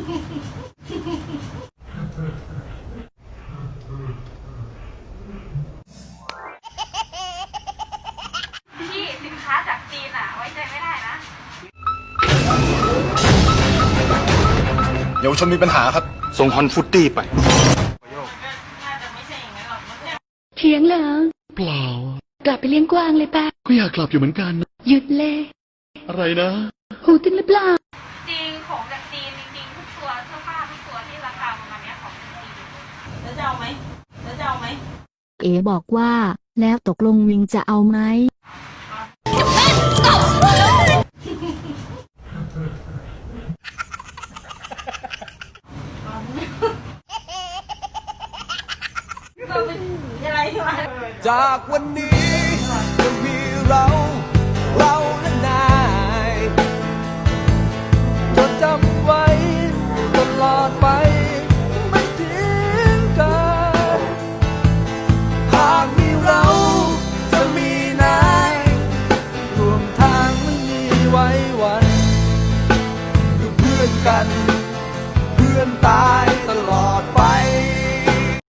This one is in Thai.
พี่สินค้าจากจีนอ่ะไว้ใจไม่ได้นะเยาวชนมีปัญหาครับส่งฮอนฟุตตี้ไปน่าจะไม่ใช่อย่างนั้นหรอกมั้งเถียงเหรอเปล่ากลับไปเลี้ยงกวางเลยปะก็อยากกลับอยู่เหมือนกันหยุดเลยอะไรนะหูตึงหรือเปล่าจริงของจากจีนจริงๆทุกตัวเสื้อผ้าทุกตัวที่ราคาประมาณนี้ของจากจีนแล้วจะเอาไหมเอ๋บอกว่าแล้วตกลงวิงจะเอาไหมจากวันนี้จะมีเราและนายจดจำไว้ตลอดไปไม่ทิ้งกันหากมีเราจะมีนายรวมทางไม่มีไว้วันอยู่เพื่อนกัน